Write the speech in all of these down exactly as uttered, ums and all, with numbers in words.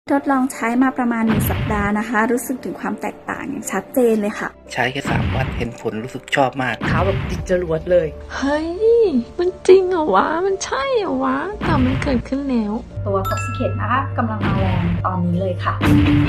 ทดลองใช้มาประมาณหนึ่งสัปดาห์นะคะรู้สึกถึงความแตกต่างอย่างชัดเจนเลยค่ะใช้แค่สามวันเห็นผลรู้สึกชอบมากเท้าแบบติดจรวดเลยเฮ้ยมันจริงเหรอวะมันใช่เหรอวะแต่มันเกิดขึ้นแล้วตัว Toxicate นะคะกำลังมาแรงตอนนี้เลยค่ะ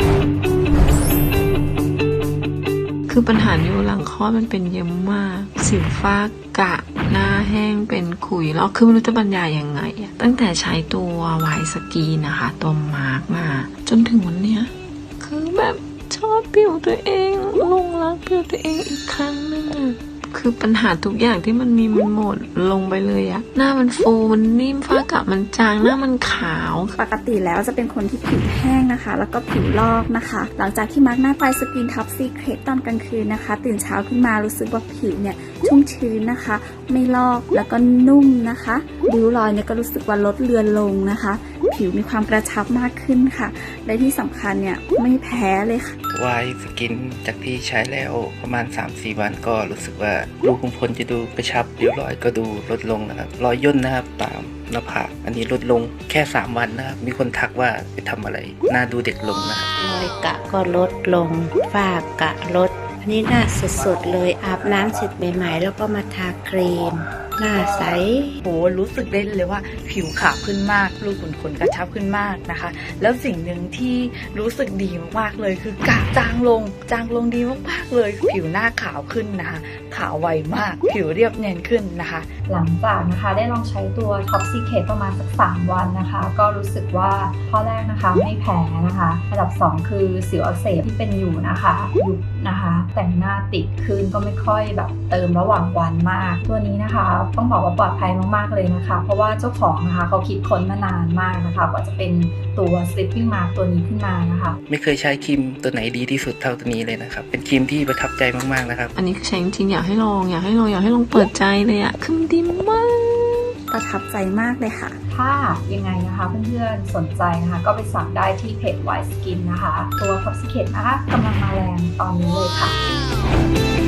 คือปัญหานิ้วหลังคลอดมันเป็นเยอะมากสิวฟ้ากระหน้าแห้งเป็นขุยแล้วคือไม่รู้จะบรรยายยังไงอะตั้งแต่ใช้ตัวไวท์สกีนนะคะตัวมาร์กมาจนถึงวันเนี้ยคือแบบชอบผิวตัวเองลงรักผิวตัวเองอีกครั้งนึงอะคือปัญหาทุกอย่างที่มันมีมันหมดลงไปเลยอะหน้ามันฟูมันนิ่มฝ้ากระมันจางหน้ามันขาวปกติแล้วจะเป็นคนที่ผิวแห้งนะคะแล้วก็ผิวลอกนะคะหลังจากที่มาร์กหน้าไฟสกินท็อปซีเครตตอนกลางคืนนะคะตื่นเช้าขึ้นมารู้สึกว่าผิวเนี่ยชุ่มชื้นนะคะไม่ลอกแล้วก็นุ่มนะคะริ้วรอยเนี่ยก็รู้สึกว่าลดเลือนลงนะคะผิวมีความกระชับมากขึ้นค่ะและที่สำคัญเนี่ยไม่แพ้เลยค่ะวายสกินจากที่ใช้แล้วประมาณ สามถึงสี่ วันก็รู้สึกว่ารูขุมขนจะดูกระชับริ้วรอยก็ดูลดลงนะครับรอยย่นนะครับตามหน้าผากอันนี้ลดลงแค่สามวันนะครับมีคนทักว่าไปทำอะไรหน้าดูเด็กลงนะครับรอยกะก็ลดลงฝ้ากะลดอันนี้หน้าสดๆเลยอาบน้ำเสร็จใหม่ๆแล้วก็มาทาครีมหน้าใสโหรู้สึกได้เลยว่าผิวขาวขึ้นมากรูขุมขนกระชับขึ้นมากนะคะแล้วสิ่งหนึ่งที่รู้สึกดีมากๆเลยคือกระจางลงจางลงดีมากๆเลยผิวหน้าขาวขึ้นนะคะขาวไวมากผิวเรียบเนียนขึ้นนะคะหลังจากนะคะได้ลองใช้ตัว Toxicate ประมาณสักสามวันนะคะก็รู้สึกว่าข้อแรกนะคะไม่แพ้นะคะอันดับสองคือสิวอักเสบที่เป็นอยู่นะคะยุบนะคะแต่งหน้าติดขึ้นก็ไม่ค่อยแบบเติมระหว่างวันมากตัวนี้นะคะต้องบอกว่าปลอดภัยมากๆเลยนะคะเพราะว่าเจ้าของนะคะเขาคิดค้นมานานมากนะคะกว่าจะเป็นตัว Sleeping Mask ตัวนี้ขึ้นมานะคะไม่เคยใช้ครีมตัวไหนดีที่สุดเท่าตัวนี้เลยนะครับเป็นครีมที่ประทับใจมากๆนะครับอันนี้คือใช้จริงๆอยากให้ลองอยากให้ลองอยากให้ลองเปิดใจเลยอะคือมันดีมากประทับใจมากเลยค่ะถ้ายังไงนะคะเพื่อนๆสนใจนะคะก็ไปสั่งได้ที่เพจ White Skin นะคะตัว Toxicate นะคะกำลังมาแรงตอนนี้เลยค่ะ